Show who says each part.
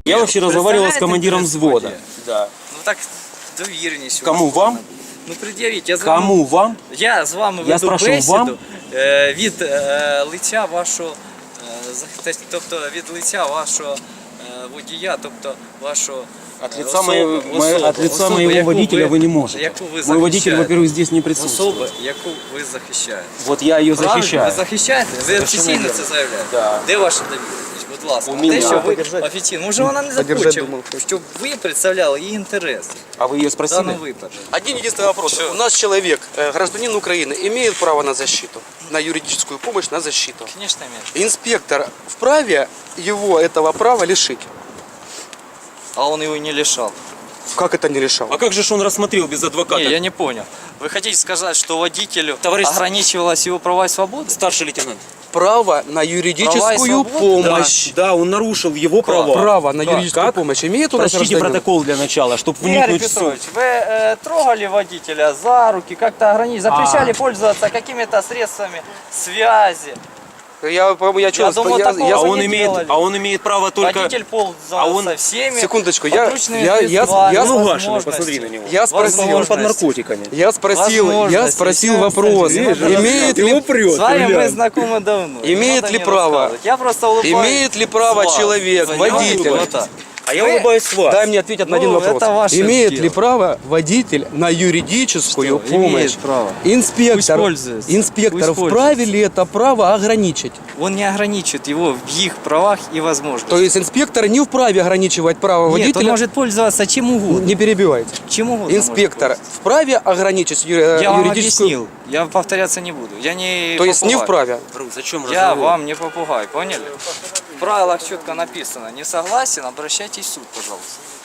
Speaker 1: Я вообще разговаривал с командиром
Speaker 2: Представляете
Speaker 1: взвода.
Speaker 2: интерес
Speaker 1: Да.
Speaker 2: Ну так довірність.
Speaker 1: Кому, вам?
Speaker 2: Ну пред'явіть, я з вами,
Speaker 1: Кому вам?
Speaker 2: я з вами
Speaker 1: Я
Speaker 2: веду
Speaker 1: спрашиваю,
Speaker 2: бесіду
Speaker 1: вам?
Speaker 2: Від лиця вашого, тобто від лиця вашого водія, тобто вашого
Speaker 1: От лица моего
Speaker 2: яку
Speaker 1: водителя вы не можете.
Speaker 2: яку ви
Speaker 1: Мой водитель,
Speaker 2: захищаєте.
Speaker 1: во-первых, здесь не присутствует.
Speaker 2: Особа, яку ви захищаєте.
Speaker 1: Вот я ее
Speaker 2: Правильно?
Speaker 1: защищаю.
Speaker 2: Ви захищаєте? Ви
Speaker 1: Совершенно
Speaker 2: офіційно
Speaker 1: верно.
Speaker 2: це заявляєте?
Speaker 1: Да.
Speaker 2: Де ваша довіреність? Будь ласка.
Speaker 1: У
Speaker 2: Те,
Speaker 1: мене.
Speaker 2: що ви
Speaker 3: Подержать.
Speaker 2: офіційно. Може вона не
Speaker 3: Подержать
Speaker 2: захоче,
Speaker 3: думав.
Speaker 2: щоб ви представляли її інтерес
Speaker 1: А вы ее
Speaker 2: в
Speaker 1: спросили?
Speaker 2: даному випадку.
Speaker 3: Один единственный вопрос. У нас человек, гражданин Украины, имеет право на защиту, на юридическую помощь, на защиту.
Speaker 2: Звісно, имеет.
Speaker 3: Инспектор вправе его этого права лишить.
Speaker 2: А он его не лишал.
Speaker 3: Как это не лишал?
Speaker 1: А как же ж он рассмотрел без адвоката?
Speaker 2: Не, я не понял. Вы хотите сказать, что водителю
Speaker 1: Товарищ-
Speaker 2: ограничивалась его права и свободы?
Speaker 1: Старший лейтенант.
Speaker 3: Право на
Speaker 2: Права и
Speaker 3: юридическую
Speaker 2: свободы?
Speaker 3: помощь.
Speaker 1: Да, он нарушил его права.
Speaker 3: Право на
Speaker 1: Как?
Speaker 3: юридическую
Speaker 1: Как?
Speaker 3: помощь имеет у нас
Speaker 1: Прочтите
Speaker 3: гражданин?
Speaker 1: протокол для начала, чтобы
Speaker 2: Игорь
Speaker 1: вникнуть в суть.
Speaker 2: Петрович, вы трогали водителя за руки, как-то ограничили, запрещали пользоваться какими-то средствами связи.
Speaker 3: Я
Speaker 2: думал, такого
Speaker 1: А
Speaker 2: вы
Speaker 1: он
Speaker 2: не
Speaker 1: имеет,
Speaker 2: делали.
Speaker 1: а он имеет право только...
Speaker 2: Водитель пользовался
Speaker 1: А он-
Speaker 2: всеми
Speaker 3: Секундочку,
Speaker 2: подручными
Speaker 3: я
Speaker 2: средствами,
Speaker 3: ну,
Speaker 1: Угашенный,
Speaker 2: возможностями.
Speaker 1: посмотри на него.
Speaker 3: Я спросил,
Speaker 1: Он под
Speaker 2: возможности.
Speaker 1: наркотиками.
Speaker 3: я спросил
Speaker 2: Возможности,
Speaker 3: вопрос,
Speaker 2: естественно.
Speaker 3: имеет ли,
Speaker 1: прет.
Speaker 2: С вами мы знакомы давно. не
Speaker 3: Имеет
Speaker 2: надо
Speaker 3: ли
Speaker 2: мне
Speaker 3: право?
Speaker 2: рассказывать. Я просто улыбаюсь.
Speaker 3: имеет ли право
Speaker 2: с вас.
Speaker 3: человек,
Speaker 2: Понимаете?
Speaker 3: водитель,
Speaker 2: Вот так.
Speaker 1: А я
Speaker 2: Вы-
Speaker 1: улыбаюсь с вас.
Speaker 3: дай мне ответить на один
Speaker 2: Ну,
Speaker 3: вопрос.
Speaker 2: это ваше
Speaker 3: Имеет
Speaker 2: дело.
Speaker 3: ли право водитель на юридическую
Speaker 2: Что?
Speaker 3: помощь?
Speaker 2: Имеет право. Пусть
Speaker 3: Инспектор,
Speaker 2: пользуется.
Speaker 3: инспектор
Speaker 2: Пусть
Speaker 3: вправе ли это право ограничить?
Speaker 2: Он не ограничивает его в их правах и возможностях.
Speaker 3: То есть инспектор не вправе ограничивать право
Speaker 2: Нет, он
Speaker 3: водителя?
Speaker 2: может пользоваться чем угодно.
Speaker 3: Не перебивайте.
Speaker 2: Чем угодно
Speaker 3: Инспектор
Speaker 2: может пользоваться.
Speaker 3: вправе ограничить
Speaker 2: Я вам
Speaker 3: юридическую...
Speaker 2: объяснил. Я повторяться не буду. Я не
Speaker 3: То есть не
Speaker 2: попугай.
Speaker 3: вправе?
Speaker 1: Брус, зачем
Speaker 2: Я
Speaker 1: разговор?
Speaker 2: вам не попугай, поняли? В правилах четко написано. Не согласен, обращайтесь в суд, пожалуйста.